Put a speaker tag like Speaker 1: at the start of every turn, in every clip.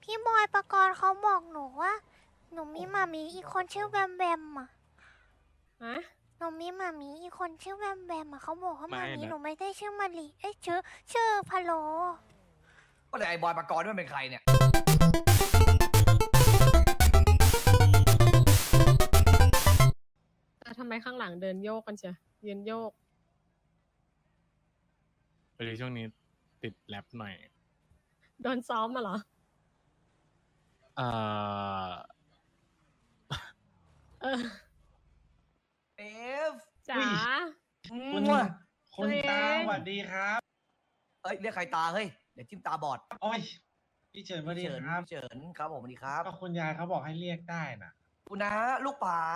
Speaker 1: พี่บอยประกรณ์เขาบอกหนูว่าหนูมีหมามีอีกคนชื่อแบมแบมอ่ะ
Speaker 2: ฮะ
Speaker 1: หนูมีหมามีอีกคนชื่อแบมแบมอ่ะเขาบอกว่าห
Speaker 3: ไม่
Speaker 1: มามี
Speaker 3: นะ
Speaker 1: หนูไม่ได้ชื่อมารีเอ้ยชื่อพะโล
Speaker 4: ก็เลยไอ้บอยปกรณ์มันเป็นใครเนี่ย
Speaker 2: แต่ทำไมข้างหลังเดินโยกกันเชียยืนโยก
Speaker 3: พอดีช่วงนี้ติดแรปหน่อย
Speaker 2: โดนซ้อมมาเหรอ
Speaker 3: เอ่อ
Speaker 2: เออ
Speaker 4: เอฟ
Speaker 2: จ๋า
Speaker 5: คุณ
Speaker 4: มั่ว
Speaker 5: คุณตา
Speaker 2: ตัวเอง
Speaker 5: สวัสดีครับ
Speaker 4: เอ้ยเรียกใครตาเฮ้ยเดี๋ยวจิ้มตาบอด
Speaker 5: โอ้ยพี่เฉินสวัสดี
Speaker 4: เฉิน
Speaker 5: ครับ
Speaker 4: เฉินครับผมสวัสดีครับ
Speaker 5: ก็คุณยายเขาบอกให้เรียกได้น่ะ
Speaker 4: คุณนะลูกป๋า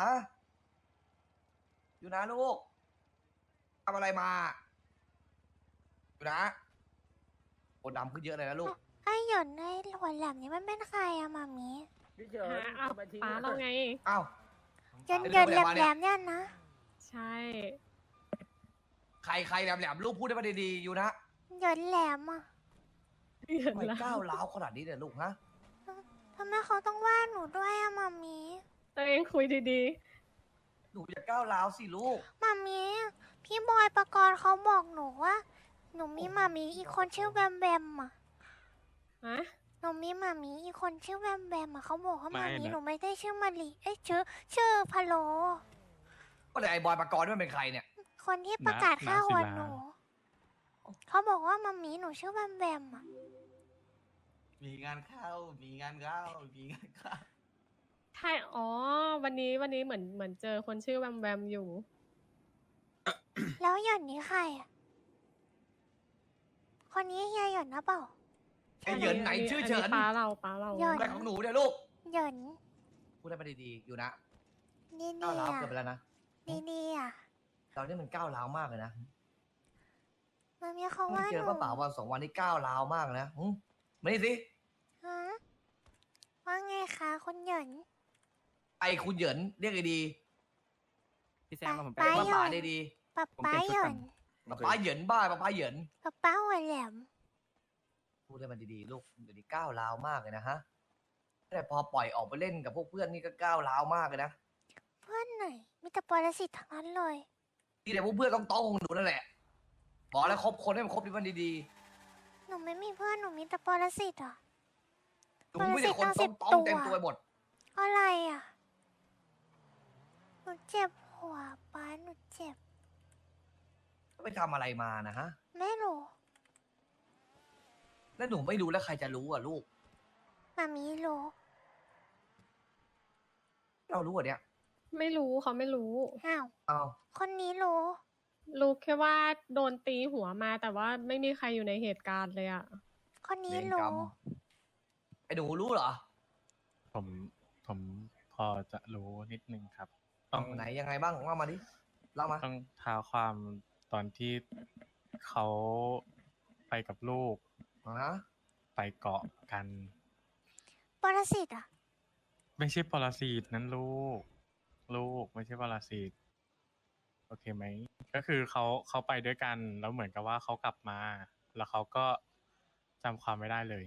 Speaker 4: อยู่นะลูกทำอะไรมาอยู่นะโอดำขึ้นเยอะเลยนะลูก
Speaker 1: ไอ้หยอนไอ้หัวแหลมนี่มันเป็นใครอะหมามี
Speaker 2: หาเอาป้าเราไง
Speaker 4: อ้าว
Speaker 1: หยอนแหลมเนี่ยนะ
Speaker 2: ใช่
Speaker 4: ใครแหลมๆลูกพูดได้มาดีๆอยู่นะ
Speaker 1: หยอนแหลมอ่ะ
Speaker 2: เห็น
Speaker 4: ทำไม
Speaker 2: แล้ว
Speaker 4: ก้าวร้าวขนาดนี้เนี่ยลูกฮะ
Speaker 1: ทำไมเขาต้องว่าหนูด้วยอะหมามี
Speaker 2: ตัวเองคุยดี
Speaker 4: หนูอย่าก้าวร้าวสิลูก
Speaker 1: หมามีพี่บอยประกรณ์เขาบอกหนูว่าหนูมีหมามีอีกคนชื่อแบมแบมอ่ะ
Speaker 2: ๆ ฮะ
Speaker 1: หนูมีหมามีอีกคนชื่อแบมแบมอะเขาบอกว่าห
Speaker 3: ไม่
Speaker 1: มามี
Speaker 3: นะ
Speaker 1: หนูไม่ได้ชื่อมารีเอ้ยชื่อพะโล
Speaker 4: ก็เลยไอ้บอยปกรณ์มันเป็นใครเนี่ย
Speaker 1: คนที่ประกาศฆ่า
Speaker 3: ศิ
Speaker 1: หัว
Speaker 3: ลา
Speaker 1: หนูเขาบอกว่ามามีหนูชื่อแบมแบมอะ
Speaker 4: มีงานเข้ามีงานเข้ามีงานเข้า
Speaker 2: ใช่อ๋อ วันนี้เหมือนเจอคนชื่อแวมแวมอยู่
Speaker 1: แล้วหย่อนนี้ใครอะคนนี้เฮียหย่อนนะเปล่า
Speaker 4: ไอ้เหยินไหนชื่อเฉิน
Speaker 2: ป้าเรา
Speaker 1: ยอด
Speaker 4: อะไรของหนูเนี่ยลูก
Speaker 1: หย่อน
Speaker 4: พูดได้มาดีๆอยู่นะ
Speaker 1: ดี
Speaker 4: ก้าวร้าว
Speaker 1: ๆ
Speaker 4: เกิน
Speaker 1: อะ
Speaker 4: ไปแล้วนะ
Speaker 1: ดีๆอะ
Speaker 4: เรานี่มันก้าวร้าวมากเลยนะ
Speaker 1: มามีเขา
Speaker 4: เพิ่ง
Speaker 1: ว่า
Speaker 4: เจ
Speaker 1: ห
Speaker 4: อ
Speaker 1: นู
Speaker 4: ป้าป๋าวันสองวันนี้ก้าวร้าวมากเลยนะมานี่สิ
Speaker 1: ฮะว่าไงคะคุณหย่อน
Speaker 4: ไอ้คุณเหยินเรียกไอ้ดี
Speaker 6: พี่แซมมาผมไป
Speaker 1: ป้า
Speaker 4: ป้า
Speaker 1: หย่
Speaker 4: ป๋า
Speaker 1: อน
Speaker 4: ได้ดี
Speaker 1: ป๊า
Speaker 6: ผม
Speaker 1: ป๊า
Speaker 6: เปลี่ยน
Speaker 1: ห
Speaker 6: ชุด
Speaker 1: ย่อ
Speaker 6: ก่อน น
Speaker 4: ป้าป๋าเหยินบ้าป้าป๋าเหยิน
Speaker 1: ป๊าหัวแหลม
Speaker 4: พูดได้มาดีๆลูกเดี๋ยวนี้ก้าวร้าวมากเลยนะฮะแต่พอปล่อยออกไปเล่นกับพวกเพื่อนนี่ก็ก้าวร้าวมากเลยนะ
Speaker 1: เพื่อนไหนมีแต่ปรสิตทั้งนั้นเลย
Speaker 4: ที่แต่พวกเพื่อนต้องของหนูนั่นแหละบอกแล้วคบคนให้มันคบที่มันดี
Speaker 1: หนูไม่มีเพื่อนหนูมีแต่ปรสิตอะ
Speaker 4: ๆหนูไม่ได้คน
Speaker 1: ปรสิ
Speaker 4: ต้
Speaker 1: ต
Speaker 4: อง
Speaker 1: ตั้ง10
Speaker 4: เต็มตัวหมด
Speaker 1: อะไรอะหนูเจ็บหัวป้าหนูเจ็บ
Speaker 4: ไปทำอะไรมานะฮะ
Speaker 1: ไม่รู้
Speaker 4: แล้วหนูไม่รู้แล้วใครจะรู้อ่ะลูก
Speaker 1: มามีรู้
Speaker 4: เรารู้อ่ะเนี่ย
Speaker 2: ไม่รู้เขาไม่รู้
Speaker 1: อ้าว
Speaker 4: อ้าว
Speaker 1: คนนี้รู้
Speaker 2: รู้แค่ว่าโดนตีหัวมาแต่ว่าไม่มีใครอยู่ในเหตุการณ์เลยอะ
Speaker 1: คนนี้
Speaker 4: เวรกรร
Speaker 1: รู้
Speaker 4: มไอ้หนูรู้เหรอ
Speaker 3: ผมพอจะรู้นิดนึงครับ ต้อง
Speaker 4: ไหนยังไงบ้างว่ามาดิเล่ามา
Speaker 3: ต้องท้าความตอนที่เขาไปกับลูก
Speaker 4: ฮะ
Speaker 3: ไปเกาะกัน
Speaker 1: ปรสิตอะ
Speaker 3: ไม่ใช่ปรสิตนั้นลูกไม่ใช่ปรสิตโอเคไหมก็คือเขาไปด้วยกันแล้วเหมือนกับว่าเขากลับมา แล้วเขาก็จำความไม่ได้เลย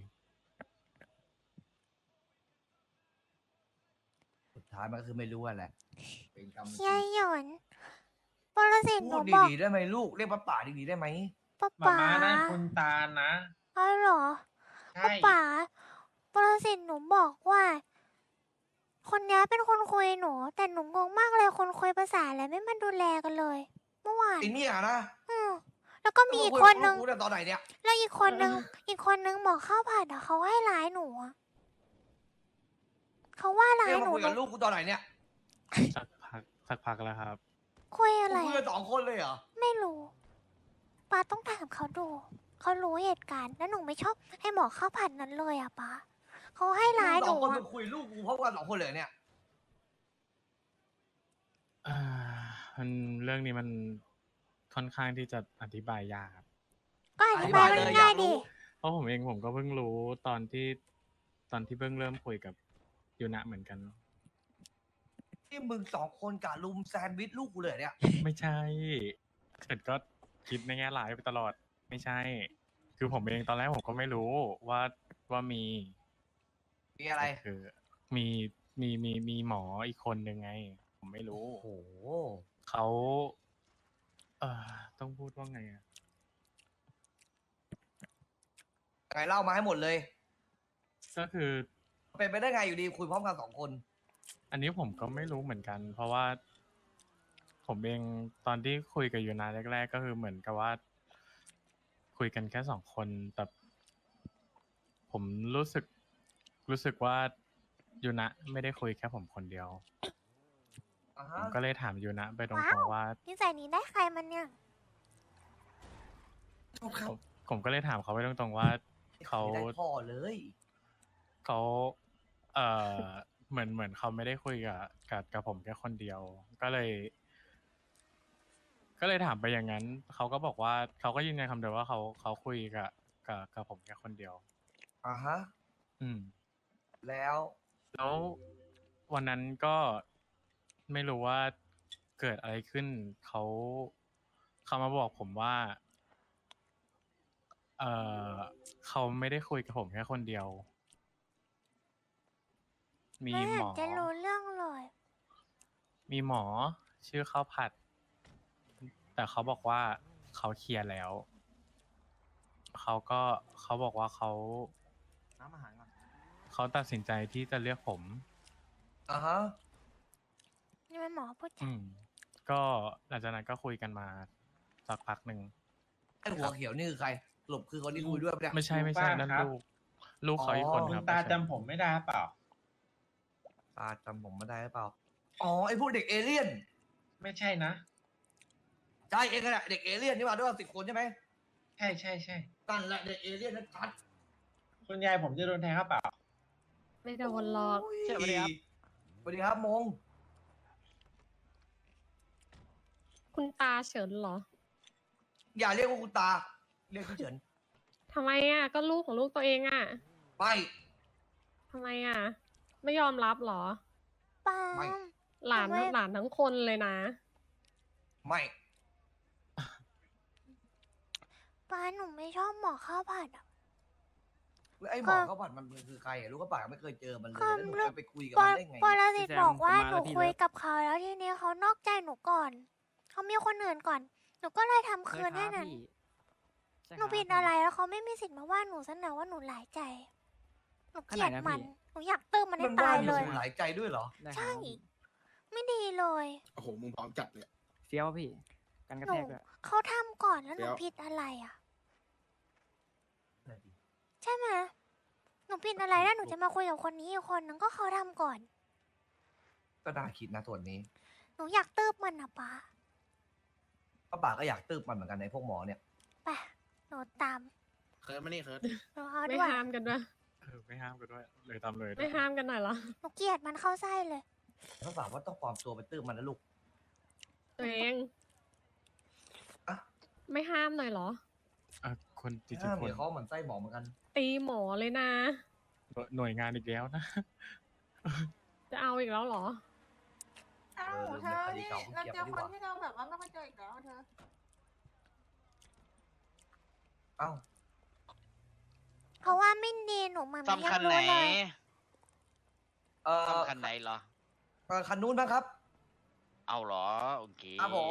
Speaker 4: สุดท้ายมันก็คือไม่รู้อะแหละเป็นกรรม
Speaker 1: เฮียหยอนปรสิตห
Speaker 4: พู
Speaker 1: นู
Speaker 4: ด
Speaker 1: บอก
Speaker 4: ดีๆได้ไหมลูกเรียกป้าป๋าดีๆได้ไหม
Speaker 1: ป้า
Speaker 5: มา
Speaker 1: ป๋า
Speaker 5: ม้านะคุณตานะ
Speaker 1: อ๋อเหรอ
Speaker 5: ใช่
Speaker 1: ป้าป๋าปรสิตหนูบอกว่า คนนี้เป็นคนคุยหนู แต่หนูงงมากเลยคนคุยภาษาอะไรไม่มาดูแลกันเลย เมื่อวาน
Speaker 4: ไอ้เนี่ยนะ
Speaker 1: อืมแล้วก็มีอีกคนนึง
Speaker 4: กูได้ตอนไหนเนี่ย
Speaker 1: แล้วอีกคนนึง อีกคนนึงบอกข้าวผัดอะเขาให้ร้ายหนูอะเขาว่าร้า
Speaker 4: เรี
Speaker 1: ย
Speaker 4: ยก
Speaker 1: ห
Speaker 4: มา
Speaker 1: นู
Speaker 4: คุยกับลูกกูตอนไหนเนี่ย
Speaker 3: สักพักแล้วครับ
Speaker 1: คุยอะไร
Speaker 4: กูคุยกันสองคนเลยเหรอ
Speaker 1: ไม่รู้ป้าต้องถามเขาดู เขารู้เหตุการณ์ แล้วหนูไม่ชอบให้หมอข้าวผัดนั้นเลยอะป้าเขาให้ร้ายห
Speaker 4: ส
Speaker 1: นู
Speaker 4: องคน
Speaker 1: อะ
Speaker 4: มึงคุยลูกกูพร้อมกันสองคนเลยเนี่ย
Speaker 3: อ่ามันเรื่องนี้มันค่อนข้างที่จะอธิบายยากครับ
Speaker 1: ก็อธิบาย
Speaker 4: อธิบายเลย
Speaker 1: ง่าย
Speaker 4: อยากรู้
Speaker 1: ๆดิ
Speaker 3: เพราะผมก็เพิ่งรู้ตอนที่เพิ่งเริ่มคุยกับยูนะเหมือนกัน
Speaker 4: ที่มึงสองคนกะลุมแซนด์วิชลูกกูเลยเนี่ย
Speaker 3: ไม่ใช่เกิดก็คิดในแง่ร้ายไปตลอด ไม่ใช่ คือผมเองตอนแรกผมก็ไม่รู้ว่ามี
Speaker 4: มีอะไร
Speaker 3: แต่คือมีหมออีกคนหนึ่งไง ผมไม่รู้
Speaker 4: โอ้โห
Speaker 3: เขาต้องพูดว่าไงอะ
Speaker 4: ไงเล่ามาให้หมดเลย
Speaker 3: ก็คือ
Speaker 4: เป็นไปได้ไงอยู่ดีคุยพร้อมกัน2 คน
Speaker 3: อันนี้ผมก็ไม่รู้เหมือนกัน เพราะว่า ผมเองตอนที่คุยกับยูนาแรกๆก็คือเหมือนกับว่า คุยกันแค่2 คน แต่ผมรู้สึกว่ายูนะไม่ได้คุยแค่ผมคนเดียว
Speaker 4: อ่า
Speaker 3: ผ
Speaker 4: ฮะ
Speaker 3: มก็เลยถามยูนะไปตร
Speaker 1: ว้าง ว
Speaker 3: ๆว่า
Speaker 1: นิสัยนี้ได้ใครมันเนี่ย
Speaker 3: ผมก็เลยถามเขาไปตรงๆว่าเขา
Speaker 4: ไม่ได้พ่อเลย
Speaker 3: เขาเหมือนเขาไม่ได้คุยกับผมแค่คนเดียว ก็เลยถามไปอย่างนั้น เขาก็บอกว่าเขาก็ยืนยันคำเดิมว่าเขาคุยกับผมแค่คนเดียว
Speaker 4: อ่าฮะ
Speaker 3: อืม
Speaker 4: แล้ว
Speaker 3: แล้ววันนั้นก็ไม่รู้ว่าเกิดอะไรขึ้น เขามาบอกผมว่า เออเขาไม่ได้คุยกับผมแค่คนเดียว มี
Speaker 1: ไม่
Speaker 3: ห
Speaker 1: เห็
Speaker 3: ม
Speaker 1: น
Speaker 3: อ
Speaker 1: จะรู้เรื่องเลย
Speaker 3: มีหมอชื่อข้าวผัด แต่เขาบอกว่าเขาเคลียร์แล้ว เขาบอกว่าเขา
Speaker 6: น้ำอาหารก่อน
Speaker 3: เขาตัดสินใจที่จะเลือกผม
Speaker 4: อ่าฮะ
Speaker 1: นี่มันหมอพูดจา
Speaker 3: อืม ก็หลังจากนั้นก็คุยกันมาสักพักหนึ่ง
Speaker 4: ไอหัวเขียวนี่คือใครสรุปคือคนที่คุยด้วยปะเนี่ย
Speaker 3: ไม่ใช่
Speaker 5: ลุงป้า
Speaker 3: นั่น
Speaker 5: ครับ
Speaker 3: ลูกเขาอีกคน
Speaker 4: อ๋อ
Speaker 5: คุ
Speaker 3: ค
Speaker 5: ณ
Speaker 3: รับ
Speaker 5: ตา
Speaker 3: ไม่ใช่
Speaker 5: จำผมไม่ได้เปล่า
Speaker 4: ตาจำผมไม่ได้หรือเปล่า อ๋อ ไอพวกเด็กเอเลี่ยน
Speaker 5: ไม่ใช่นะ
Speaker 4: ใช่เองแหละเด็กเอเลี่ยนนี่มาด้วยกัน10 คนใช่ไหม
Speaker 5: ใช่ใช่ใช่
Speaker 4: นั่นแหละเด็กเอเลี่ยนนั่นชัด
Speaker 5: คุณยายผมจะโดนแทงครับเปล่า
Speaker 2: ไม่โดนหรอก
Speaker 4: สวัสดีครับสวัสดีครับมง
Speaker 2: คุณตาเฉินเหรอ
Speaker 4: อย่าเรียกว่าคุณตา เรียกพี่เฉิน
Speaker 2: ทำไมอ่ะ ก็ลูกของลูกตัวเองอ่ะ
Speaker 4: ไม่
Speaker 2: ทำไมอ่ะ ไม่ยอมรับเหรอ
Speaker 1: ปา
Speaker 4: ไม่
Speaker 1: ล์ม
Speaker 2: หลาน
Speaker 1: ทำไม
Speaker 2: หลานทั้งคนเลยนะ
Speaker 4: ไม่
Speaker 1: ปาล์มหนูไม่ชอบหมอข้าวผัดอ่ะ
Speaker 4: แล้วไอ้หมอข้าวผัดมันคือใครอะลูกข้าวผัดไม่เคยเจอมันเลย
Speaker 1: ก็
Speaker 4: แล้วหนู
Speaker 1: เรื่อง
Speaker 4: จะไปคุยกับ
Speaker 1: ป
Speaker 4: มัน
Speaker 1: ร
Speaker 4: ได้ไง
Speaker 1: ปร
Speaker 4: เนี่ย
Speaker 1: สิต
Speaker 6: พี่แซม
Speaker 1: บอกว่า
Speaker 6: ผมมา
Speaker 1: หนู
Speaker 6: แล้วพี่
Speaker 1: คุย
Speaker 6: เลิฟ
Speaker 1: กับเขาแล้วทีนี้เขานอกใจหนูก่อน เขามีคนอื่นก่อน หนูก็เลยทำ
Speaker 6: เค
Speaker 1: คื
Speaker 6: ย
Speaker 1: น
Speaker 6: ค
Speaker 1: ให้
Speaker 6: รับ
Speaker 1: นั้น
Speaker 6: พี่ใช่
Speaker 1: หนู
Speaker 6: ครับ
Speaker 1: ผิดอะไรแล้วเขาไม่มีสิทธิ์มาว่าหนูซะหน่อยว่าหนูหลายใจ หนูเกลียด
Speaker 6: ขนาดนั้น
Speaker 1: มัน
Speaker 6: พี่
Speaker 1: หนูอยากตื้มมันให้
Speaker 4: มัน
Speaker 1: ตา
Speaker 4: ว่าย ห
Speaker 1: เล
Speaker 4: นู
Speaker 1: ย
Speaker 4: หลายใจด้วยเหรอ
Speaker 6: ได้ครับ
Speaker 1: ใช่ ไม่ดีเลย
Speaker 7: โอ้โห มึงพร้อมจัดเลย
Speaker 6: เฟี้ยวพี่ กันกระ
Speaker 1: หนู
Speaker 6: แทกด้วย
Speaker 1: เขาทำก่อนแล้วหนู
Speaker 7: เดี๋ยว
Speaker 1: ผิดอะไรอ่ะ ใช่ไหมหนูผิดอะไรแล้วหนูจะมาคุยกับคนนี้อีกคนนึงก็เขาทำก่อน
Speaker 4: ก็น่าคิดนะส่วนนี้
Speaker 1: หนูอยากตื้มมันนะป้า
Speaker 4: ป้าป่าก็อยากตืบมันเหมือนกันในพวกหมอเนี่ย
Speaker 1: ไปหนูตาม
Speaker 7: เคิร์ดมานี่เคิร์ด
Speaker 1: หนูเอา
Speaker 2: ไม่
Speaker 1: ด้วย
Speaker 2: ห้ามกันด้วย
Speaker 3: ไม่ห้ามกันด้วย เลยตามเลย
Speaker 2: ไม่ห้ามกันหน่อยเหรอ
Speaker 1: หนูเกลียดมันเข้าไส้เลย
Speaker 4: ป้าป่าว่าต้องปลอมตัวไปตืบมันนะลูก
Speaker 2: ตัวเอง
Speaker 4: อะ
Speaker 2: ไม่ห้ามหน่อยเหรอ
Speaker 3: คนจริง
Speaker 4: ถ้า
Speaker 3: ๆค
Speaker 4: มี
Speaker 3: น
Speaker 4: เขาเหมือนไส้หมอเหมือนกัน
Speaker 2: ตีหมอเลยนะ
Speaker 3: หน่วยงานอีกแล้วนะ
Speaker 2: จะเอาอีกแล้วเหรอ
Speaker 8: อ้าว
Speaker 4: เออ
Speaker 8: เธอ
Speaker 4: เรื่อง
Speaker 8: นี่
Speaker 4: คดี
Speaker 8: เรา
Speaker 4: เก่า
Speaker 8: เจ
Speaker 4: เก็
Speaker 8: อบ
Speaker 4: ไว้ดีกว่า
Speaker 8: คนที่เราแบบว่าไม่ค่อยเจออีกแล้วเธอ
Speaker 4: เอ้า
Speaker 1: เพราะว่าไม่ดีหนูมัน
Speaker 9: ซ่อม
Speaker 1: ยั
Speaker 9: คัน
Speaker 1: ง
Speaker 9: ไหน
Speaker 1: รู้เลย
Speaker 9: ซ่อมคันไหนเหรอ
Speaker 4: คันนู้นบ้างครับ
Speaker 9: เอาเหรอ โอเค
Speaker 4: ครับผม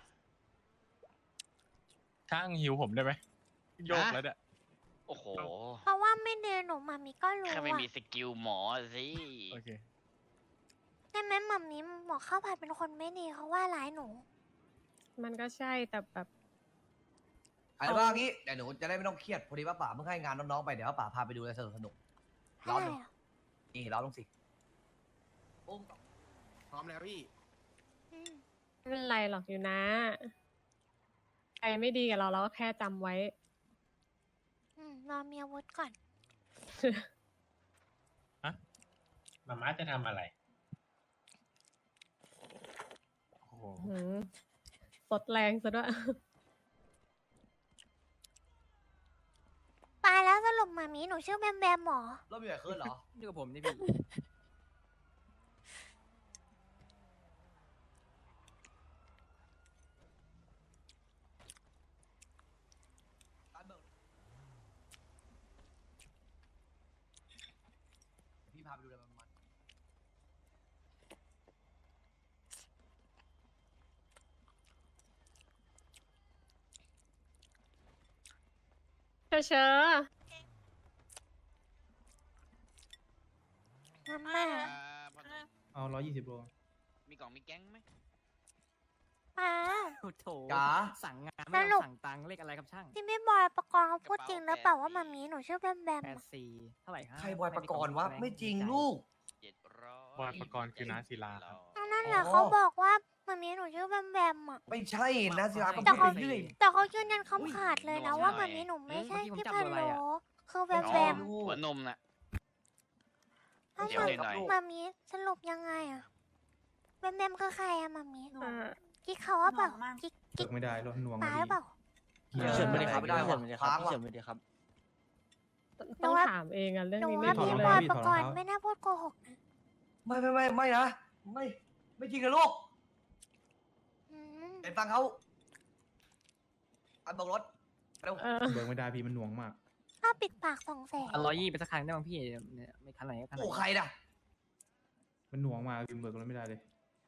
Speaker 3: ช่างหิวผมได้ไหมโยกแล้วเนี่ย
Speaker 9: โอ้โห
Speaker 1: เพราะว่าไม่ดีหนูมามีก็รู้
Speaker 9: แค่ไม่
Speaker 1: อะ
Speaker 9: มีสกิลหมอสิ
Speaker 3: โอเค
Speaker 1: ได้ไหมหมัมมี่หมอข้าวผัดเป็นคนไม่ดีเขาว่าร้ายหนู
Speaker 2: มันก็ใช่แต่แบบ
Speaker 4: อะไรบ้างงี้เดี๋ยวหนูจะได้ไม่ต้องเครียดพอดีป้าป่าเพิ่งให้งานน้องๆไปเดี๋ยวป้าป่าพาไปดูอะไรสนุกๆร้อน
Speaker 1: อะไร
Speaker 4: ดู
Speaker 1: อะ
Speaker 4: นี่ร้อนลงสิปุ้ม
Speaker 7: พร้อมแล้วพี่
Speaker 1: อืม
Speaker 2: ไม่เป็นไรหรอกอยู่นะใครไม่ดีกับเราเราก็แค่จำไว้
Speaker 1: รอมีอาวุธก่อน
Speaker 5: มาม่าจะทำอะไร
Speaker 3: โอ้โห
Speaker 2: หืมสดแรงซะด้วย
Speaker 1: ตายแล้วสรุปหมามีหนูชื่อแบมแบมหมอ
Speaker 4: แล้วมีอะไรขึ้นเหรอ
Speaker 6: นี่กับผมนี่พี่
Speaker 4: พี่พาไปดูเลยมัน
Speaker 2: เชอเชอ
Speaker 1: มาม่า
Speaker 9: พ่อหนุ่ม
Speaker 6: เอา120 โล
Speaker 9: มีกล่องมีแก๊งไหม
Speaker 1: ป้า
Speaker 6: โอ้โถ
Speaker 4: จ๋า
Speaker 6: สั่งงานไม่
Speaker 1: สรุ
Speaker 6: ต้อ
Speaker 1: ป
Speaker 6: งสั่งตังค์เลขอะไรครับช่าง
Speaker 1: ที่พี่บอยประกรณ์เขาพูดจริงหรือเปล่าว่ามามีหนูชื่อแบมแบมอะ
Speaker 6: 84เท่าไหร่ฮะ
Speaker 4: ใครบอยประกรณ์วะ
Speaker 6: แสด
Speaker 4: ไม่จริง
Speaker 6: ใจ
Speaker 4: ลูก
Speaker 3: บอยประกรณ์คือน้าศิลาครับ
Speaker 1: อันนั่นแหละเขาบอกว่ามามีหนูชื่อแบมแบมอ่ะ
Speaker 4: ไม่ใช่นะศิลาก็
Speaker 1: แต่
Speaker 4: พูด
Speaker 1: เขา
Speaker 4: ไปเรื่อย
Speaker 1: แต่เขายืนยันคำขาดเลยนะว่ามามีหนูไม่ใช่พี่พันโลคือแบมแบม
Speaker 9: หัวนมน่ะ
Speaker 1: ถ้า
Speaker 9: เดี๋ยวหน่อย
Speaker 1: มามีสรุปยังไงอะแบมแบมคือใครอะมามี
Speaker 2: อ่า
Speaker 1: กิ๊กเขาว่าเปล่า
Speaker 8: หน่วงมาก
Speaker 1: กิ๊ก
Speaker 6: เลิกไม่ได้รถหน่วง
Speaker 1: ป้าหรือเปล่า
Speaker 6: เฉิน
Speaker 4: ไม่ได้ครับไม่ได้ว่ะค้างว่ะ
Speaker 2: ต้องถามเองอะเรื่อง
Speaker 1: หนู
Speaker 2: นี้ไม่
Speaker 1: ว่า
Speaker 2: รู้
Speaker 1: พี่
Speaker 2: เล
Speaker 1: บอย
Speaker 2: ย
Speaker 1: ประกรณ์ไม่น่าพูดโกหกนะ
Speaker 4: ไม่นะไม่จริงกับลูก
Speaker 1: อืม
Speaker 4: เห็นฟังเขาอันบอกรถเร็ว
Speaker 2: เออ
Speaker 6: เบิกไม่ได้พี่มันหน่วงมาก
Speaker 1: ถ้าปิดปาก200,000
Speaker 6: 120ไปสักครั้งได้บ้างพี่เนี่ยไม่คันไหนก็คันไหน
Speaker 4: โอ้ใครน่ะ
Speaker 6: มันหน่วงมากพี่เบิกรถไม่ได้เลย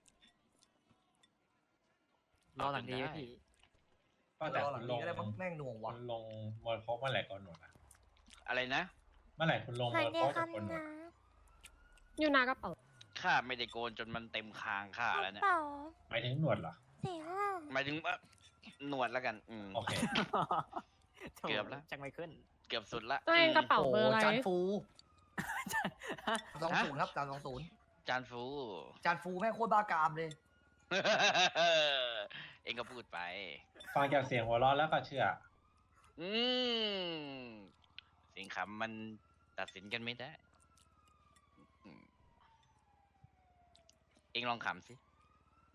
Speaker 6: รอหลังดีไหมพี่
Speaker 5: ก็แต่
Speaker 4: รอห
Speaker 5: คุ
Speaker 4: ลัง
Speaker 5: ณล
Speaker 4: นี้
Speaker 5: ง
Speaker 4: ก็ได้มั้งแม่งหน่วง
Speaker 5: คุ
Speaker 4: ว่ะ
Speaker 5: ณลงมวยโค้กเมื่อไหร่ก่อนหนวดอะ
Speaker 9: อะไรนะ
Speaker 5: เมื่อไหร่คุณลง
Speaker 1: ไหน
Speaker 5: มวย
Speaker 1: เดีย
Speaker 5: โค้ก
Speaker 1: ค
Speaker 5: กับคนหน
Speaker 1: ำ
Speaker 5: วด
Speaker 1: นะ
Speaker 2: อยู่หนากระเป๋า
Speaker 9: ข้าไม่ได้โกนจนมันเต็มคางข้าแล้วเนี่ย
Speaker 1: เปล่า
Speaker 5: หมายถึงหนวดเหรอ
Speaker 1: 45
Speaker 9: หมายถึงว่าหนวดแล้วกัน
Speaker 5: โอเค
Speaker 9: เกือบแล้ว
Speaker 6: จังไม่ขึ้น
Speaker 9: เกือบสุดละ
Speaker 2: ตัวเองกระเป๋า
Speaker 4: โอ้
Speaker 2: เบอร์อะไร
Speaker 4: จานฟู20ครับจาน20
Speaker 9: จานฟู
Speaker 4: จานฟูแม่งโคตรบ้ากามเลย
Speaker 9: เองก็พูดไป
Speaker 5: ฟังจากเสียงหัวเราะแล้วก็เชื่อ
Speaker 9: อืมเสิ่งขำมันตัดสินกันไม่ได้อืมเองลองขำสิ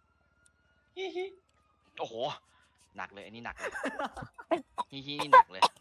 Speaker 9: โอ้โห หนักเลย อันนี้หนักเลย ฮิฮินี่หนักเลย